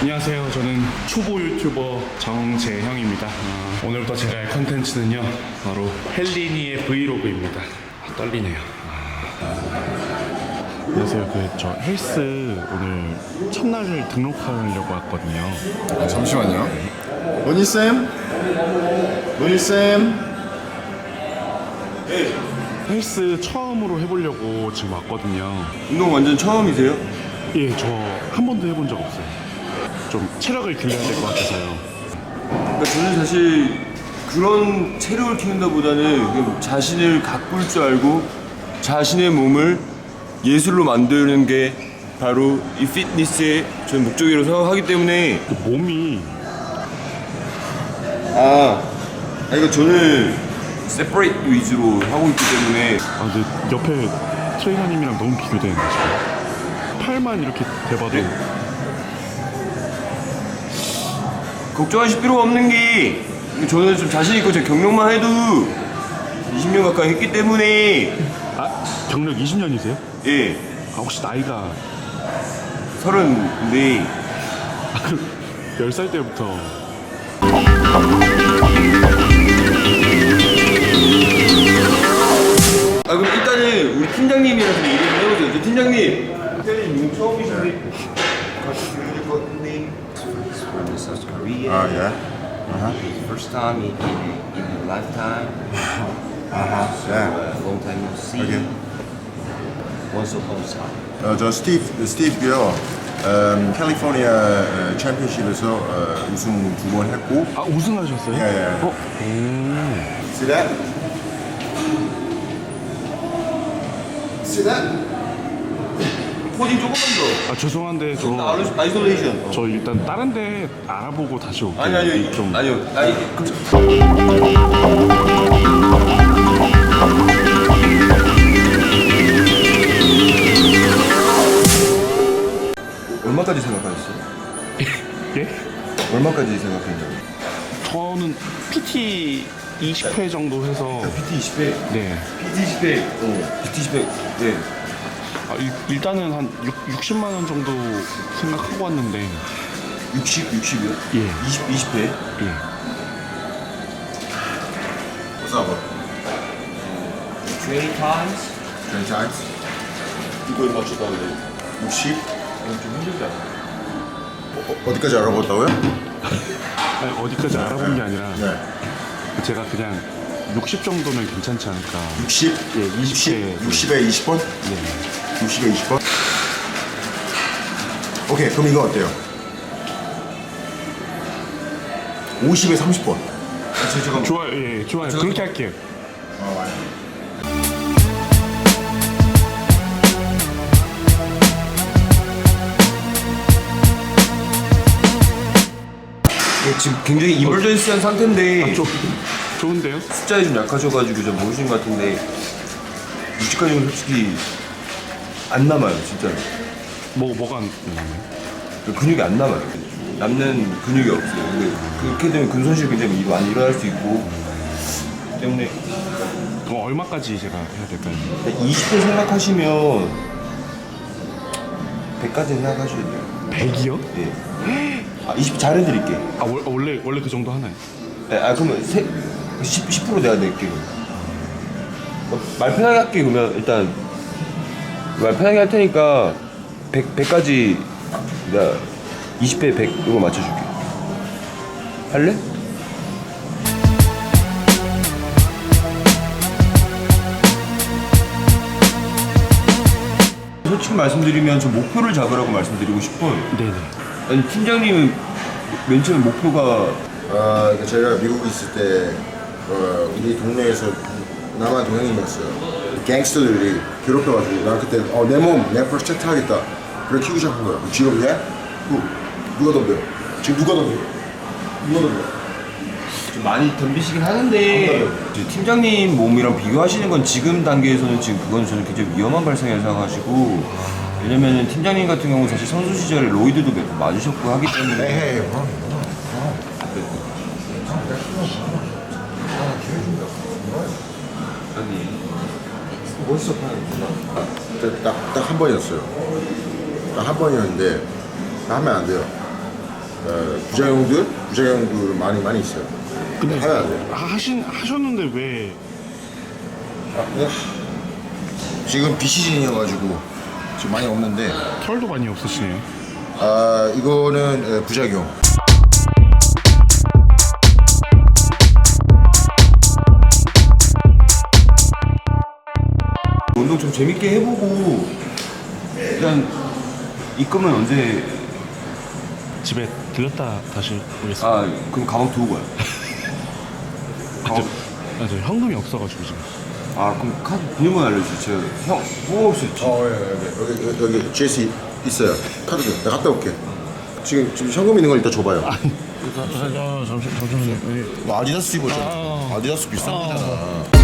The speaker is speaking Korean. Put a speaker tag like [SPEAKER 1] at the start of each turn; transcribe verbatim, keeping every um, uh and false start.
[SPEAKER 1] 안녕하세요. 저는 초보 유튜버 정재형입니다. 어, 오늘부터 제가 할 컨텐츠는요 바로 헬린이의 브이로그입니다. 아, 떨리네요. 아... 안녕하세요. 그 저 헬스 오늘 첫날을 등록하려고 왔거든요.
[SPEAKER 2] 아, 잠시만요. 노니쌤? 노니쌤?
[SPEAKER 1] 네. 헬스 처음으로 해보려고 지금 왔거든요.
[SPEAKER 3] 운동 완전 처음이세요?
[SPEAKER 1] 예, 저 한 번도 해본 적 없어요. 좀 체력을 길러야 될 것 같아서요.
[SPEAKER 3] 그러니까 저는 사실 그런 체력을 키운다보다는 그냥 자신을 가꿀 줄 알고 자신의 몸을 예술로 만드는 게 바로 이 피트니스의 저는 목적이라고 생각하기 때문에.
[SPEAKER 1] 그 몸이
[SPEAKER 3] 아, 아 이거 저는 세퍼레이트 위주로 하고 있기 때문에.
[SPEAKER 1] 아 근데 옆에 트레이너님이랑 너무 비교되는데 지금 팔만 이렇게 대봐도
[SPEAKER 3] 네? 걱정하실 필요가 없는 게 저는 좀 자신 있고 제 경력만 해도 이십 년 가까이 했기 때문에.
[SPEAKER 1] 아 경력 이십 년이세요?
[SPEAKER 3] 예,
[SPEAKER 1] 아 혹시 나이가
[SPEAKER 3] 서른네.
[SPEAKER 1] 아 그럼 열 살 때부터
[SPEAKER 3] 아 그럼 일단은 우리 팀장님이랑 좀 얘기 좀 해보세요. 저 팀장님. 팀장님 용 처음이신데 같이 들으실 것 같은데.
[SPEAKER 4] From South Korea.
[SPEAKER 2] 아, 예.
[SPEAKER 4] It's first time in, in, in a lifetime.
[SPEAKER 2] 아하, 예.
[SPEAKER 4] Uh, long time no see.
[SPEAKER 2] Okay.
[SPEAKER 4] Once upon a time.
[SPEAKER 2] 어, 저 스티브, 스티브고요. 음, 캘리포니아 어, 챔피언십에서 어, 우승 두 번 했고.
[SPEAKER 1] 아 우승하셨어요?
[SPEAKER 2] 예, 예.
[SPEAKER 1] 어? 오.
[SPEAKER 2] See that? See that?
[SPEAKER 3] 포징 조금만 더.
[SPEAKER 1] 아 죄송한데 저,
[SPEAKER 3] 아이솔- 아이솔레이션.
[SPEAKER 1] 저 일단 다른 데 알아보고 다시 올게요.
[SPEAKER 3] 아니 아니
[SPEAKER 1] 좀
[SPEAKER 3] 아니요. 아니 그 얼마까지 생각하셨어요?
[SPEAKER 1] 예?
[SPEAKER 3] 얼마까지 생각했냐고?
[SPEAKER 1] 저는 피티 이십 회 정도 해서
[SPEAKER 3] 피티 이십 회.
[SPEAKER 1] 네.
[SPEAKER 3] 피티 이십 회. 어. 피티 이십 회. 네.
[SPEAKER 1] 아, 일, 일단은 한 육십만 원 정도 생각하고 왔는데
[SPEAKER 3] 육십, 육십이요?
[SPEAKER 1] 예.
[SPEAKER 3] 이십, 이십 회.
[SPEAKER 1] 예.
[SPEAKER 2] What's up?
[SPEAKER 4] twenty times.
[SPEAKER 2] twenty times?
[SPEAKER 3] 이거 얼마 줬다는데?
[SPEAKER 2] 육십?
[SPEAKER 3] 좀 힘들지 않아?
[SPEAKER 2] 어, 어디까지 알아봤다고요?
[SPEAKER 1] 아니, 어디까지 알아본 게 아니라
[SPEAKER 2] 네.
[SPEAKER 1] 제가 그냥 육십 정도면 괜찮지 않을까.
[SPEAKER 2] 육십?
[SPEAKER 1] 예, 이십 회.
[SPEAKER 2] 육십에 이십 번?
[SPEAKER 1] 예.
[SPEAKER 2] 육십에 이십 번? 오케이, 그럼 이거 어때요? 오십에 삼십 번.
[SPEAKER 3] 아, 잠깐만.
[SPEAKER 1] 좋아요. 예, 좋아요.
[SPEAKER 3] 저-
[SPEAKER 1] 그렇게 할게요.
[SPEAKER 3] 예, 지금 굉장히 이멀전시한 상태인데
[SPEAKER 1] 아, 좀 좋은데요?
[SPEAKER 3] 숫자에 좀 약하셔가지고 좀 모르신 것 같은데 육십까지는 솔직히 안 남아요, 진짜.
[SPEAKER 1] 뭐 뭐가 안
[SPEAKER 3] 그 근육이 안 남아요. 남는 근육이 없어요. 근데 그렇게 되면 근손실 굉장히 많이 일어날 수 있고 때문에
[SPEAKER 1] 그럼 얼마까지 제가 해야 될까요?
[SPEAKER 3] 이십 회 생각하시면 백까지 생각하셔야 돼요.
[SPEAKER 1] 백이요?
[SPEAKER 3] 예. 아, 이십 잘해드릴게.
[SPEAKER 1] 아 월, 원래 원래 그 정도 하나요?
[SPEAKER 3] 네, 아 그러면 세, 십, 십 퍼센트 내가 낼게. 그럼. 어, 말 편하게 할게. 그러면 일단 말 편하게 할 테니까 백, 백까지 내가 이십 회 백 이거 맞춰줄게. 할래? 솔직히 말씀드리면 저 목표를 잡으라고 말씀드리고 싶어요.
[SPEAKER 1] 네네.
[SPEAKER 3] 아니 팀장님은 맨 처음에 목표가
[SPEAKER 2] 아, 그러니까 제가 미국에 있을 때 어, 우리 동네에서 남한 동양인이었어요. 갱스터들이 괴롭혀가지고 나 그때 어, 내 몸, 내 프로젝트 하겠다. 그래 키우기 시작한 거야. 직업이야? 누, 누가 덤벼? 지금 누가 덤벼? 누가 덤벼?
[SPEAKER 3] 좀 많이 덤비시긴 하는데 이제 팀장님 몸이랑 비교하시는 건 지금 단계에서는 지금 그건 저는 굉장히 위험한 발상이라고 생각하시고, 왜냐면은 팀장님 같은 경우는 사실 선수 시절에 로이드도 몇 번 맞으셨고 하기 때문에.
[SPEAKER 2] 에이, 뭐.
[SPEAKER 3] 원스톱 하는
[SPEAKER 2] 딱딱 한 번이었어요. 딱 한 번이었는데 나 하면 안 돼요. 어, 부작용들 부작용들 많이 많이 있어요. 근데 해야 돼.
[SPEAKER 1] 하신 하셨는데 왜?
[SPEAKER 2] 아, 네? 지금 비시즌이어가지고 지금 많이 없는데
[SPEAKER 1] 털도 많이 없으시네요.
[SPEAKER 2] 아 이거는 에, 부작용.
[SPEAKER 3] 운동 좀 재밌게 해보고 일단 입금은 언제?
[SPEAKER 1] 집에 들렸다 다시 오겠습니다.
[SPEAKER 3] 아 그럼 가방 두고 가요. 가방.
[SPEAKER 1] 아, 저 현금이 없어가지고 지금.
[SPEAKER 3] 아 그럼 카드 비밀번호 알려주세요. 형 뽑을 수 있지.
[SPEAKER 2] 어 예, 여기 여기 여기, 여기 제시 있어요. 카드 좀 내가 갔다 올게. 지금 지금 현금 있는 걸 일단 줘봐요.
[SPEAKER 1] 아, 잠시 잠시만요.
[SPEAKER 2] 뭐 아디다스 입었잖아. 아디다스 비싼 거잖아.